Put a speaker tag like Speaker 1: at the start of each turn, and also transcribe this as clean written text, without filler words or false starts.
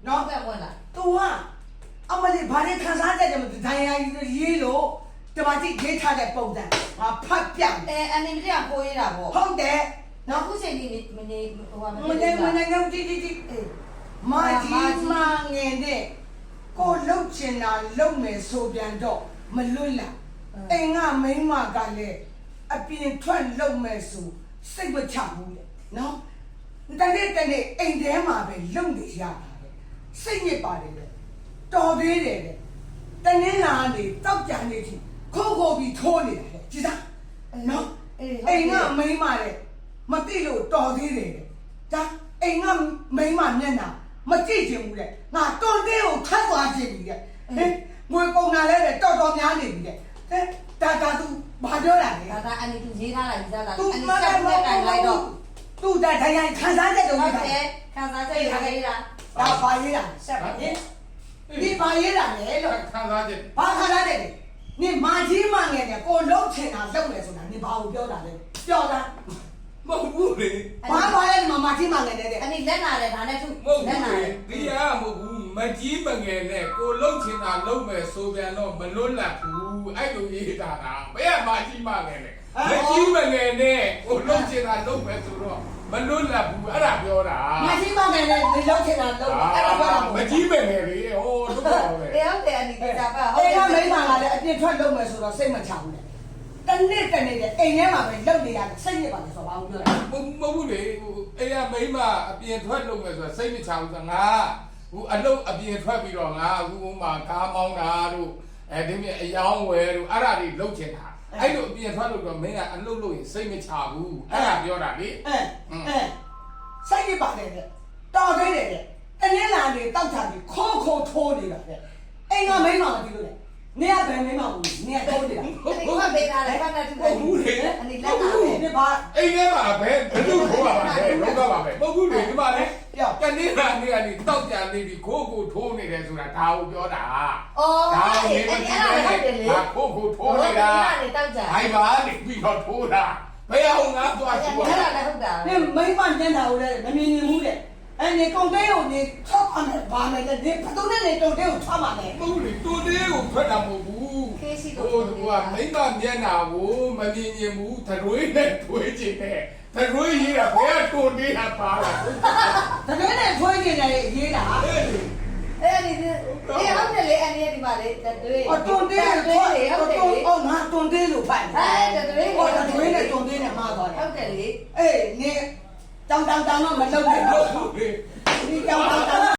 Speaker 1: နော်သူကအမလေးဘာလဲခံစားတတ်တယ်မသိဒိုင်ယာရေးလို့တမတိရေးထားတဲ့ပုံစံငါဖတ်ပြ
Speaker 2: အနေနဲ့ကပိုးရတာပေါ့
Speaker 1: ဟုတ်တယ်
Speaker 2: နော်ခုချိန်ဒီမနေဟို
Speaker 1: မနေငုံတီမာကြီးမငယ်တဲ့ကိုလှုပ်ချင်တာလှုပ်မယ်ဆိုပြန်တော့မလွတ်လာအိမ်ကမိန်းမကလည်းအပြင်ထွက်လှုပ်မယ်ဆိုစိတ်မချဘူးလေနော်တနေ့အိမ်ထဲမှာပဲလှုပ်နေရတာလေစိတ်ညစ်ပါတယ်လေတော်သေးတယ်လေတနေ့လာနေတောက်ကြနေပြီခိုးပြီးထိုးနေတာလေကြည်သားနော်အိမ်ကမိန်းမလည်းမသိလို့တော်သေးတယ်လေဒါအိမ်ကမိန်းမမျက်နှာမကြည့်ချင်ဘူးလေငါတွန်သေးကိုထပ်သွားချင်ပြီလေဟင်ငွေကုန်တာလဲတော်များနေပြီလေဒါသူဘာပြောတာလဲ
Speaker 2: ဒါအနေသူရေးထားလိုက်ကြတာအနေစက်နဲ့တိုင်လိုက်တော့
Speaker 1: သူတိုင်းခံစားချက်တုံး
Speaker 2: ဟုတ်တယ်ခံစားချက်ရေးတာ
Speaker 1: ဒါဘာရေးတာဆက်ပါလေဒီဘာရေးတာလဲလို့
Speaker 3: ခံစားချက်
Speaker 1: ဘာခံစားချက်လဲနေမာကြီးမငယ်တယ်ကိုလုံးချင်တာလုပ်မယ်ဆိုတာနေဘာကိုပြောတာလဲပြောတာ
Speaker 3: မဟုတ်ဘူးလေ
Speaker 1: ဘာလဲမာကြီးမငယ်တဲ့
Speaker 2: အနေလက်နာတယ်ဒါနဲ့သူ
Speaker 3: လက်နာတယ်ဒီကမဟုတ်ဘူးမကြီးမငယ်နဲ့ကိုလုံးချင်တာလုပ်မယ်ဆိုပြန်တော့မလွတ်လပ်ဘူးအဲ့လိုရေးတာကဘယ်ကမကြီးမငယ်လဲမကြီးမငယ်နဲ့ကိုလုံးချင်တာလုပ်မယ်ဆိုတော့မလွတ်လပ်ဘူးအဲ့ဒါပြောတာ
Speaker 1: မကြီးမငယ်နဲ့နေလုံးချင်တာလုပ်အဲ့ဒါပြောတာ
Speaker 3: မကြီးမငယ်လေဟိုတို့ပါပဲ
Speaker 2: ဟုတ်တယ်အနေကပါ
Speaker 1: ဟုတ်တယ်မိမကလည်းအပြစ်ထွက်လုပ်မယ်ဆိုတော့စိတ်မချဘူးလေတနေ့အိမ်ထဲမှာပဲလုပ်နေရတယ်စိတ်ညစ်ပါလေဆိုတော့ဘာလို့ပြောလဲ
Speaker 3: မဟုတ်ဘူးလေဟိုအဲ့ရမိမအပြင်ထွက်လုပ်မယ်ဆိုတာစိတ်မချဘူးဆိုငါဟိုအလုပ်အပြင်ထွက်ပြီးတော့ငါအခုမှကားမောင်းတာတို့ဒီမြအယောင်းဝယ်တို့အဲ့ဒါတွေလုပ်ချင်တာအဲ့လိုအပြင်ထွက်လို့တော့မင်းကအလုပ်လုပ်ရင်စိတ်မချဘူးအဲ့ဒါပြောတာလေ
Speaker 1: စိတ်ညစ်ပါလေတော်သေးတယ်တနေ့လာနေတောက်ချပြီးခိုးထိုးနေတာလေအိမ်ကမိန်းမမကြည့်လို့လေနေရဘယ်မိန်းမဘူးနေရထိုးနေတာ
Speaker 2: ဒီကပေးတာလည်းဘာနဲ့သူ
Speaker 3: ဟုတ်ဘူးလေ
Speaker 2: အနေလက်နာတယ်
Speaker 1: ဒီဘာ
Speaker 3: အိမ်ထဲမှာပဲဘယ်လိုထိုးပါပါလဲလုံးတော့ပါပဲမဟုတ်ဘူးလေဒီမှာလေကနေ့လာနေကနေတောက်ကြနေပြီးခိုးထိုးနေတယ်ဆိုတာဒါကိုပြောတာ
Speaker 2: ဒါအဲ့ဒါဟုတ်တယ်လေ
Speaker 3: ခိုးထိုးနေတာဟိုင်ပါနေပြီးတော့ထိုးတာဘယ်အောင်ငါသွားကြည့်
Speaker 2: အဲ့ဒါလည်းဟုတ်တာ
Speaker 1: နေမိန်းမညံ့တာကိုလည်းမမြင်ဘူးတဲ့အဲ့နေကုန်တဲ့ကိုနေထောက်အောင်ဘာလဲဒီဘယ်သူနဲ့နေတုံတဲ့ကိုထားပါလဲ
Speaker 3: မဟုတ်လေတုံတဲ့ကိုထွက်တာမဟုတ်ဘူးဟိုကမိမမျက်နာကိုမမြင်ရင်ဘူးသရွေးနဲ့ထွေးချင်တယ်သရွေးရေးတာဘယ်ကတုံတဲ့ဟာပါလား
Speaker 1: သရွေးနဲ့ထွေးချင်တယ်ရေးတာ
Speaker 2: အဲ့ဒီဟုတ်တယ်လေအနေဒီမှာလေတွေး
Speaker 1: တုံတဲ့ထွေးဟုတ်တယ်လေငါတုံတဲ့လို့ဖတ်
Speaker 2: တယ်တွေး
Speaker 1: သရွေးနဲ့တုံတဲ့နဲ့မှားသွားတယ်
Speaker 2: ဟုတ်တယ်လေ
Speaker 1: အေးနေတောင်းတော့မလုပ်နဲ့
Speaker 3: ဟုတ်ဘူးလေ
Speaker 1: ဒီတောင်း